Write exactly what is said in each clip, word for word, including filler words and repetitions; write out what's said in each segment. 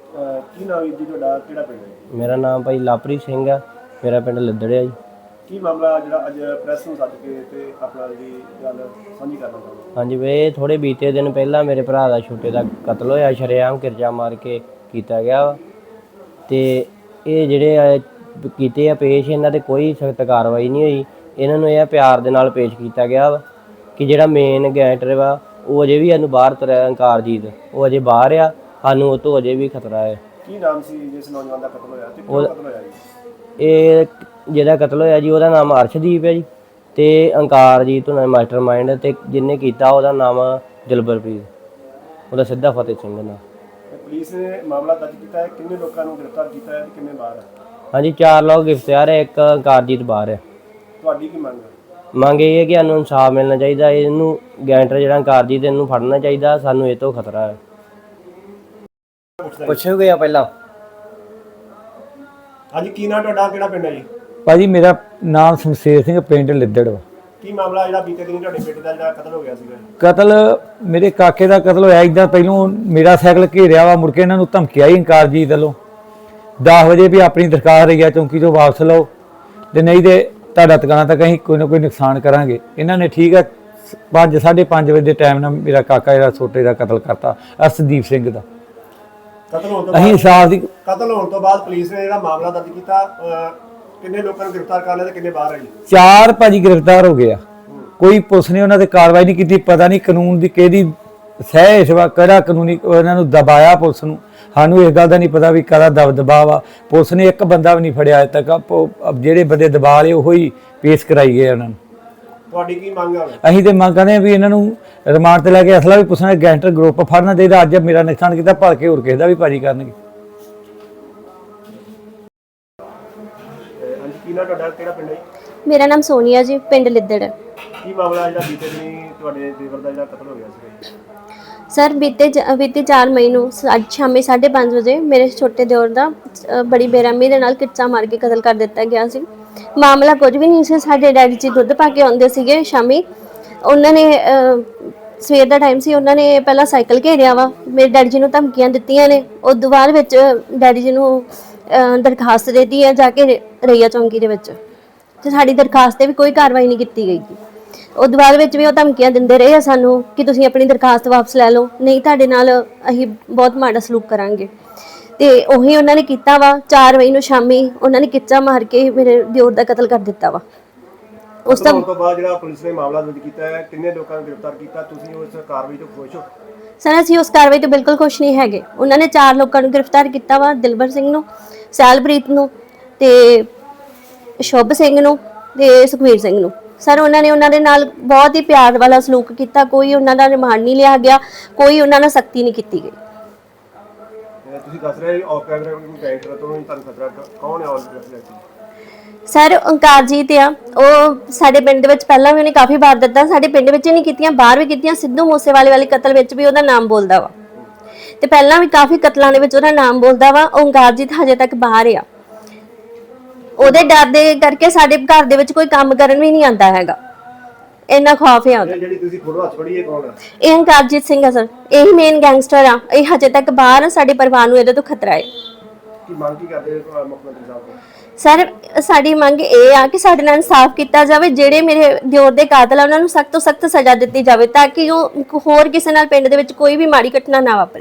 ਕੀ ਨਾਮ ਹੈ ਜੀ ਤੁਹਾਡਾ, ਕਿਹੜਾ ਪਿੰਡ ਹੈ? ਮੇਰਾ ਨਾਮ ਭਾਈ ਲਵਪ੍ਰੀਤ ਸਿੰਘ ਆ, ਮੇਰਾ ਪਿੰਡ ਲਿੱਦੜਿਆ ਜੀ। ਕੀ ਮਾਮਲਾ ਜਿਹੜਾ ਅੱਜ ਪ੍ਰੈਸ ਨੂੰ ਸੱਦ ਕੇ ਤੇ ਆਪਣਾ ਜਿਹੜੀ ਗੱਲ ਸਾਂਝੀ ਕਰਨਾ ਚਾਹੁੰਦੇ? ਹਾਂਜੀ ਵੇ ਥੋੜ੍ਹੇ ਬੀਤੇ ਦਿਨ ਪਹਿਲਾਂ ਮੇਰੇ ਭਰਾ ਦਾ ਛੋਟੇ ਦਾ ਕਤਲ ਹੋਇਆ, ਸ਼ਰੇਆਮ ਕਿਰਚਾ ਮਾਰ ਕੇ ਕੀਤਾ ਗਿਆ ਵਾ। ਅਤੇ ਇਹ ਜਿਹੜੇ ਆ ਕੀਤੇ ਆ ਪੇਸ਼, ਇਹਨਾਂ 'ਤੇ ਕੋਈ ਸਖਤ ਕਾਰਵਾਈ ਨਹੀਂ ਹੋਈ। ਇਹਨਾਂ ਨੂੰ ਇਹ ਪਿਆਰ ਦੇ ਨਾਲ ਪੇਸ਼ ਕੀਤਾ ਗਿਆ ਵਾ ਕਿ ਜਿਹੜਾ ਮੇਨ ਗੈਂਗਸਟਰ ਵਾ ਉਹ ਅਜੇ ਵੀ ਸਾਨੂੰ ਬਾਹਰ ਤੁਰਿਆ, ਅੰਕਾਰਜੀਤ, ਉਹ ਅਜੇ ਬਾਹਰ ਆ, ਸਾਨੂੰ ਉਹ ਤੋਂ ਅਜੇ ਵੀ ਖਤਰਾ ਹੈ। ਕੀ ਨਾਮ ਸੀ ਜਿਸ ਨੌਜਵਾਨ ਦਾ ਕਤਲ ਹੋਇਆ ਤੇ ਕਿਉਂ ਕਤਲ ਹੋਇਆ ਜੀ? ਇਹ ਜਿਹਦਾ ਕਤਲ ਹੋਇਆ ਜੀ ਉਹਦਾ ਨਾਮ ਅਰਸ਼ਦੀਪ ਹੈ ਜੀ, ਅਤੇ ਅੰਕਾਰਜੀਤ ਹੋਣਾ ਮਾਸਟਰ ਮਾਈਂਡ, ਅਤੇ ਜਿਹਨੇ ਕੀਤਾ ਉਹਦਾ ਨਾਮ ਦਿਲਬਰਪ੍ਰੀਤ, ਉਹਦਾ ਸਿੱਧਾ ਫਤਿਹ ਸਿੰਘ ਨਾਲ। ਪੁਲਿਸ ਨੇ ਮਾਮਲਾ ਦਰਜ ਕੀਤਾ ਹੈ, ਕਿੰਨੇ ਲੋਕਾਂ ਨੂੰ ਗ੍ਰਿਫਤਾਰ ਕੀਤਾ ਹੈ ਤੇ ਕਿੰਨੇ ਬਾਹਰ ਹੈ? ਹਾਂਜੀ ਚਾਰ ਲੋਕ ਗ੍ਰਿਫਤਾਰ ਹੈ, ਇੱਕ ਅੰਕਾਰਜੀਤ ਬਾਹਰ ਹੈ। ਤੁਹਾਡੀ ਕੀ ਮੰਗ ਹੈ? ਮੰਗ ਇਹ ਹੈ ਕਿ ਸਾਨੂੰ ਇਨਸਾਫ ਮਿਲਣਾ ਚਾਹੀਦਾ, ਇਹਨੂੰ ਗੈਂਗਸਟਰ ਜਿਹੜਾ ਅੰਕਾਰਜੀਤ ਇਹਨੂੰ ਫੜਨਾ ਚਾਹੀਦਾ, ਸਾਨੂੰ ਇਹ ਤੋਂ ਖਤਰਾ ਹੈ। ਪੁੱਛੋਗੇ ਆ ਪਹਿਲਾਂ? ਹਾਂਜੀ ਕੀ ਨਾਮ ਤੁਹਾਡਾ, ਕਿਹੜਾ ਪਿੰਡ ਹੈ ਜੀ? ਭਾਜੀ ਮੇਰਾ ਨਾਮ ਸ਼ਮਸ਼ੇਰ ਸਿੰਘ, ਪਿੰਡ ਲਿੱਦੜ ਵਾ। ਕੀ ਮਾਮਲਾ ਜਿਹੜਾ ਬੀਤੇ ਦਿਨ ਤੁਹਾਡੇ ਬੇਟੇ ਦਾ ਜਿਹੜਾ ਕਤਲ ਹੋ ਗਿਆ ਸੀਗਾ? ਕਤਲ ਮੇਰੇ ਕਾਕੇ ਦਾ ਕਤਲ ਹੋਇਆ ਇੱਦਾਂ, ਪਹਿਲੋਂ ਮੇਰਾ ਸਾਈਕਲ ਘੇਰਿਆ ਵਾ, ਮੁੜ ਕੇ ਇਹਨਾਂ ਨੂੰ ਧਮਕਿਆ ਹੀ ਇੰਕਾਰਜੀਤ ਵੱਲੋਂ ਦਸ ਵਜੇ ਵੀ ਆਪਣੀ ਦਰਖਾਸਤ ਰਈਆ ਚੌਂਕੀ ਤੋਂ ਵਾਪਸ ਲਓ, ਤੇ ਨਹੀਂ ਤੇ ਤੁਹਾਡਾ ਟਿਕਾਣਾ ਤੱਕ ਅਸੀਂ ਕੋਈ ਨਾ ਕੋਈ ਨੁਕਸਾਨ ਕਰਾਂਗੇ। ਇਹਨਾਂ ਨੇ ਠੀਕ ਹੈ ਪੰਜ ਸਾਢੇ ਪੰਜ ਵਜੇ ਦੇ ਟਾਈਮ ਨਾਲ ਮੇਰਾ ਕਾਕਾ ਜਿਹੜਾ ਛੋਟੇ ਦਾ ਕਤਲ ਕਰਤਾ, ਅਰਸ਼ਦੀਪ ਸਿੰਘ ਦਾ। ਕਤਲ ਹੋਣ ਤੋਂ ਅਸੀਂ ਬਾਅਦ ਇਨਸਾਫ ਦੀ ਕਤਲ ਹੋਣ ਤੋਂ ਬਾਅਦ ਪੁਲਿਸ ਨੇ ਜਿਹੜਾ ਮਾਮਲਾ ਦਰਜ ਕੀਤਾ, ਅਹ, ਕਿੰਨੇ ਲੋਕਾਂ ਨੂੰ ਗ੍ਰਿਫਤਾਰ ਕਰ ਲਿਆ ਤੇ ਕਿੰਨੇ ਬਾਹਰ ਹੈ ਜੀ? ਚਾਰ ਭਾਜੀ ਗ੍ਰਿਫਤਾਰ ਹੋ ਗਏ ਆ, ਕੋਈ ਪੁਲਿਸ ਨੇ ਉਹਨਾਂ ਤੇ ਕਾਰਵਾਈ ਨਹੀਂ ਕੀਤੀ। ਪਤਾ ਨਹੀਂ ਕਾਨੂੰਨ ਦੀ ਕਿਹਦੀ ਸਹਿ ਸਵਾ, ਕਿਹੜਾ ਕਾਨੂੰਨੀ ਉਹਨਾਂ ਨੂੰ ਦਬਾਇਆ ਪੁਲਿਸ ਨੂੰ, ਸਾਨੂੰ ਇਸ ਗੱਲ ਦਾ ਨਹੀਂ ਪਤਾ ਵੀ ਕਾਹਦਾ ਦਬ ਦਬਾਅ ਵਾ। ਪੁਲਿਸ ਨੇ ਇੱਕ ਬੰਦਾ ਵੀ ਨਹੀਂ ਫੜਿਆ ਅਜੇ ਤੱਕ, ਆਪੋ ਜਿਹੜੇ ਬੰਦੇ ਦਬਾ ਲਏ ਉਹੋ ਹੀ ਪੇਸ਼ ਕਰਾਈ ਗਏ ਉਹਨਾਂ ਨੂੰ। ਤੁਹਾਡੀ ਕੀ ਮੰਗ ਹੈ? ਅਸੀਂ ਤੇ ਮੰਗ ਕਰਦੇ ਹਾਂ ਵੀ ਇਹਨਾਂ ਨੂੰ ਰਿਮਾਂਡ ਤੇ ਲੈ ਕੇ ਅਸਲਾ ਵੀ ਪੁੱਛਣਾ, ਗੈਂਗਸਟਰ ਗਰੁੱਪ ਫੜਨਾ ਚਾਹੀਦਾ। ਅੱਜ ਮੇਰਾ ਨੁਕਸਾਨ ਕੀਤਾ, ਭਲ ਕੇ ਹੋਰ ਕਿਸੇ ਦਾ ਵੀ ਭਾਜੀ ਕਰਨਗੇ। ਹਾਂਜੀ ਕੀ ਨਾਮ ਤੁਹਾਡਾ, ਕਿਹੜਾ ਪਿੰਡ ਹੈ ਜੀ? ਮੇਰਾ ਨਾਮ ਸੋਨੀਆ ਜੀ, ਪਿੰਡ ਲਿੱਦੜ। ਕੀ ਮਾਮਲਾ ਜਿਹੜਾ ਬੀਤੇ ਦਿਨ ਤੁਹਾਡੇ ਦੇਵਰ ਦਾ ਜਿਹੜਾ ਕਤਲ ਹੋ ਗਿਆ ਸੀ? ਸਰ ਬੀਤੇ ਜ- ਬੀਤੇ ਚਾਰ ਮਈ ਨੂੰ ਸਾ- ਸ਼ਾਮੀ ਸਾਢੇ ਪੰਜ ਵਜੇ ਮੇਰੇ ਛੋਟੇ ਦਿਓਰ ਦਾ ਅ, ਬੜੀ ਬੇਰਹਿਮੀ ਦੇ ਨਾਲ ਕਿਰਚਾ ਮਾਰ ਕੇ ਕਤਲ ਕਰ ਦਿੱਤਾ ਗਿਆ ਸੀ। ਮਾਮਲਾ ਕੁਝ ਵੀ ਨਹੀਂ ਸੀ। ਸਾਡੇ ਡੈਡੀ ਜੀ ਦੁੱਧ ਪਾ ਕੇ ਆਉਂਦੇ ਸੀਗੇ ਸ਼ਾਮੀ, ਉਹਨਾਂ ਨੇ ਅ, ਸਵੇਰ ਦਾ ਟਾਈਮ ਸੀ, ਉਹਨਾਂ ਨੇ ਪਹਿਲਾਂ ਸਾਈਕਲ ਘੇਰਿਆ ਵਾ, ਮੇਰੇ ਡੈਡੀ ਜੀ ਨੂੰ ਧਮਕੀਆਂ ਦਿੱਤੀਆਂ ਨੇ। ਉਸ ਤੋਂ ਬਾਅਦ ਵਿੱਚ ਡੈਡੀ ਜੀ ਨੂੰ ਅ, ਦਰਖਾਸਤ ਦੇ ਦਿੱਤੀ ਹੈ ਜਾ ਕੇ ਰਈਆ ਚੌਂਕੀ ਦੇ ਵਿੱਚ, ਤੇ ਸਾਡੀ ਦਰਖਾਸਤ 'ਤੇ ਵੀ ਕੋਈ ਕਾਰਵਾਈ ਨਹੀਂ ਕੀਤੀ ਗਈ। ਉਸ ਤੋਂ ਬਾਅਦ ਵਿੱਚ ਵੀ ਉਹ ਧਮਕੀਆਂ ਦਿੰਦੇ ਰਹੇ ਆ ਸਾਨੂੰ ਕਿ ਤੁਸੀਂ ਆਪਣੀ ਦਰਖਾਸਤ ਵਾਪਸ ਲੈ ਲਓ, ਨਹੀਂ ਤੁਹਾਡੇ ਨਾਲ ਅਸੀਂ ਬਹੁਤ ਮਾੜਾ ਸਲੂਕ ਕਰਾਂਗੇ। ਤੇ ਉਹੀ ਉਹਨਾਂ ਨੇ ਕੀਤਾ ਵਾ। ਚਾਰ ਵਜੇ ਨੂੰ ਸ਼ਾਮੀ ਉਹਨਾਂ ਨੇ ਕਿੱਚਾ ਮਾਰ ਕੇ ਮੇਰੇ ਦਿਓਰ ਦਾ ਕਤਲ ਕਰ ਦਿੱਤਾ ਵਾ। ਉਸ ਕਤਲ ਹੋਣ ਤੋਂ ਬਾਅਦ ਜਿਹੜਾ ਪੁਲਿਸ ਨੇ ਮਾਮਲਾ ਦਰਜ ਕੀਤਾ ਹੈ, ਕਿੰਨੇ ਲੋਕਾਂ ਨੂੰ ਗ੍ਰਿਫਤਾਰ ਕੀਤਾ, ਤੁਸੀਂ ਉਸ ਕਾਰਵਾਈ ਤੋਂ ਖੁਸ਼ ਹੋ? ਸਰ ਅਸੀਂ ਉਸ ਕਾਰਵਾਈ ਤੋਂ ਬਿਲਕੁਲ ਖੁਸ਼ ਨਹੀਂ ਹੈਗੇ। ਉਹਨਾਂ ਨੇ ਚਾਰ ਲੋਕਾਂ ਨੂੰ ਗ੍ਰਿਫਤਾਰ ਕੀਤਾ ਵਾ, ਦਿਲਬਰ ਸਿੰਘ ਨੂੰ, ਸੈਲਪ੍ਰੀਤ ਨੂੰ, ਤੇ ਸ਼ੁਭ ਸਿੰਘ ਨੂੰ, ਤੇ ਸੁਖਵੀਰ ਸਿੰਘ ਨੂੰ। ਸਰ ਉਹਨਾਂ ਨੇ ਉਹਨਾਂ ਦੇ ਨਾਲ ਬਹੁਤ ਹੀ ਪਿਆਰ ਵਾਲਾ ਸਲੂਕ ਕੀਤਾ, ਕੋਈ ਉਹਨਾਂ ਦਾ ਰਿਮਾਂਡ ਨਹੀਂ ਲਿਆ ਗਿਆ, ਕੋਈ ਉਹਨਾਂ ਨਾਲ ਸਖਤੀ ਨਹੀਂ ਕੀਤੀ ਗਈ। ਤੁਸੀਂ ਦੱਸ ਰਹੇ ਆਫ ਕੈਮਰਾ ਗੈਂਗਸਟਰ ਤੋਂ ਤੁਹਾਨੂੰ ਖਤਰਾ, ਕੌਣ ਹੈ ਆਫ ਕੈਮਰਾ? ਸਰ ਅੰਕਾਰਜੀਤ ਆ, ਉਹ ਸਾਡੇ ਪਿੰਡ ਦੇ ਵਿੱਚ ਪਹਿਲਾਂ ਵੀ ਉਹਨੇ ਕਾਫੀ ਵਾਰ ਦਿੱਤਾ, ਸਾਡੇ ਪਿੰਡ ਵਿੱਚ ਹੀ ਨਹੀਂ ਕੀਤੀਆਂ, ਬਾਹਰ ਵੀ ਕੀਤੀਆਂ। ਸਿੱਧੂ ਮੂਸੇਵਾਲੇ ਵਾਲੇ ਕਤਲ ਵਿੱਚ ਵੀ ਉਹਦਾ ਨਾਮ ਬੋਲਦਾ ਵਾ, ਤੇ ਪਹਿਲਾਂ ਵੀ ਕਾਫੀ ਕਤਲਾਂ ਦੇ ਵਿੱਚ ਉਹਦਾ ਨਾਮ ਬੋਲਦਾ ਵਾ। ਉਹ ਅੰਕਾਰਜੀਤ ਹਜੇ ਤੱਕ ਬਾਹਰ ਆ, ਉਹਦੇ ਡਰ ਦੇ ਕਰਕੇ ਸਾਡੇ ਘਰ ਦੇ ਵਿੱਚ ਕੋਈ ਕੰਮ ਕਰਨ ਵੀ ਨਹੀਂ ਆਉਂਦਾ ਹੈਗਾ, ਇੰਨਾ ਖੌਫ ਹੈ ਉਹਦਾ। ਜਿਹੜੀ ਤੁਸੀਂ ਫੋਟੋ ਹੱਥ ਫੜੀ ਹੈ ਕੌਣ ਹੈ? ਇਹ ਅੰਕਾਰਜੀਤ ਸਿੰਘ ਆ ਸਰ, ਇਹੀ ਮੇਨ ਗੈਂਗਸਟਰ ਆ। ਇਹ ਹਜੇ ਤੱਕ ਬਾਹਰ ਆ, ਸਾਡੇ ਪਰਿਵਾਰ ਨੂੰ ਇਹਦੇ ਤੋਂ ਖਤਰਾ ਹੈ। ਕੀ ਮੰਗ ਕੀ ਕਰਦੇ ਹੋ ਮੁੱਖ ਮੰਤਰੀ ਸਾਹਿਬ ਤੋਂ? ਸਰ ਸਾਡੀ ਮੰਗ ਇਹ ਆ ਕਿ ਸਾਡੇ ਨਾਲ ਇਨਸਾਫ ਕੀਤਾ ਜਾਵੇ, ਜਿਹੜੇ ਮੇਰੇ ਦਿਓਰ ਦੇ ਕਾਤਲ ਆ ਉਹਨਾਂ ਨੂੰ ਸਖਤ ਤੋਂ ਸਖਤ ਸਜ਼ਾ ਦਿੱਤੀ ਜਾਵੇ, ਤਾਂ ਕਿ ਉਹ ਹੋਰ ਕਿਸੇ ਨਾਲ ਪਿੰਡ ਦੇ ਵਿੱਚ ਕੋਈ ਵੀ ਮਾੜੀ ਘਟਨਾ ਨਾ ਵਾਪਰੇ।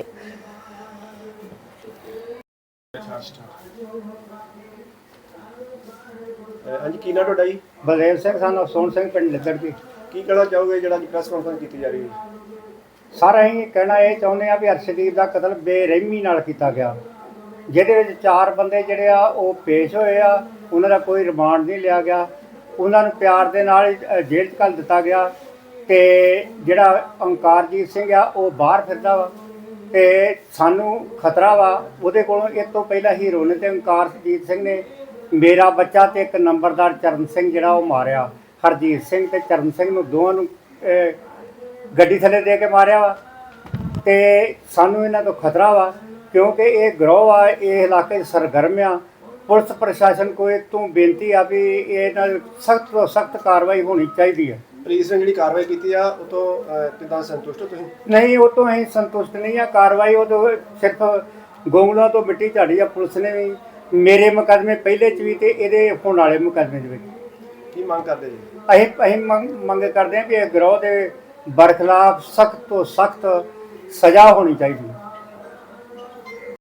ਹਾਂਜੀ ਕੀ ਨਾਮ ਤੁਹਾਡਾ ਜੀ? ਬਲਦੇਵ ਸਿੰਘ ਸਾਨੂੰ ਸੋਹਣ ਸਿੰਘ, ਪਿੰਡ ਲਿੱਦੜ ਦੀ। ਕੀ ਕਹਿਣਾ ਚਾਹੋਗੇ ਜਿਹੜਾ ਅੱਜ ਪ੍ਰੈਸ ਕਾਨਫਰੰਸ ਕੀਤੀ ਜਾ ਰਹੀ ਹੈ? ਸਰ ਅਸੀਂ ਕਹਿਣਾ ਇਹ ਚਾਹੁੰਦੇ ਆ ਵੀ ਅਰਸ਼ਦੀਪ ਦਾ ਕਤਲ ਬੇਰਹਿਮੀ ਨਾਲ ਕੀਤਾ ਗਿਆ, ਜਿਹਦੇ ਵਿੱਚ ਚਾਰ ਬੰਦੇ ਜਿਹੜੇ ਆ ਉਹ ਪੇਸ਼ ਹੋਏ ਆ, ਉਹਨਾਂ ਦਾ ਕੋਈ ਰਿਮਾਂਡ ਨਹੀਂ ਲਿਆ ਗਿਆ, ਉਹਨਾਂ ਨੂੰ ਪਿਆਰ ਦੇ ਨਾਲ ਜੇਲ੍ਹ 'ਚ ਘੱਲ ਦਿੱਤਾ ਗਿਆ। ਤੇ ਜਿਹੜਾ ਅੰਕਾਰਜੀਤ ਸਿੰਘ ਆ ਉਹ ਬਾਹਰ ਫਿਰਦਾ ਵਾ, ਤੇ ਸਾਨੂੰ ਖਤਰਾ ਵਾ ਉਹਦੇ ਕੋਲੋਂ। ਇਸ ਤੋਂ ਪਹਿਲਾਂ ਹੀਰੋ ਨੇ ਤੇ ਅੰਕਾਰਜੀਤ ਸਿੰਘ ਨੇ ਮੇਰਾ ਬੱਚਾ ਤੇ ਇੱਕ ਨੰਬਰਦਾਰ ਚਰਨ ਸਿੰਘ ਜਿਹੜਾ ਉਹ ਮਾਰਿਆ, ਹਰਜੀਤ ਸਿੰਘ ਤੇ ਚਰਨ ਸਿੰਘ ਨੂੰ, ਦੋਵਾਂ ਨੂੰ ਗੱਡੀ ਥੱਲੇ ਦੇ ਕੇ ਮਾਰਿਆ ਵਾ। ਤੇ ਸਾਨੂੰ ਇਹਨਾਂ ਤੋਂ ਖਤਰਾ ਵਾ, ਕਿਉਂਕਿ ਇਹ ਗਰੋਹ ਆ, ਇਹ ਇਲਾਕੇ 'ਚ ਸਰਗਰਮ ਆ। ਪੁਲਿਸ ਪ੍ਰਸ਼ਾਸਨ ਕੋਲ ਤੋਂ ਬੇਨਤੀ ਆ ਵੀ ਇਹ ਨਾਲ ਸਖਤ ਤੋਂ ਸਖਤ ਕਾਰਵਾਈ ਹੋਣੀ ਚਾਹੀਦੀ ਹੈ। ਪੁਲਿਸ ਨੇ ਜਿਹੜੀ ਕਾਰਵਾਈ ਕੀਤੀ ਆ ਉਹ ਤੋਂ ਕਿੱਦਾਂ ਸੰਤੁਸ਼ਟ ਹੋ ਤੁਸੀਂ? ਨਹੀਂ, ਉਹ ਤੋਂ ਅਸੀਂ ਸੰਤੁਸ਼ਟ ਨਹੀਂ ਆ। ਕਾਰਵਾਈ ਉਹ ਤੋਂ ਸਿਰਫ ਗੋਂਗਲੂਆਂ ਤੋਂ ਮਿੱਟੀ ਝਾੜੀ ਆ ਪੁਲਿਸ ਨੇ ਵੀ, ਮੇਰੇ ਮੁਕੱਦਮੇ ਪਹਿਲੇ 'ਚ ਵੀ ਤੇ ਇਹਦੇ ਹੁਣ ਵਾਲੇ ਮੁਕੱਦਮੇ ਦੇ ਵਿੱਚ। ਕੀ ਮੰਗ ਕਰਦੇ ਜੀ? ਅਸੀਂ ਅਸੀਂ ਮੰਗ ਮੰਗ ਕਰਦੇ ਹਾਂ ਵੀ ਇਹ ਗਿਰੋਹ ਦੇ ਬਰਖਲਾਫ ਸਖਤ ਤੋਂ ਸਖਤ ਸਜ਼ਾ ਹੋਣੀ ਚਾਹੀਦੀ ਹੈ।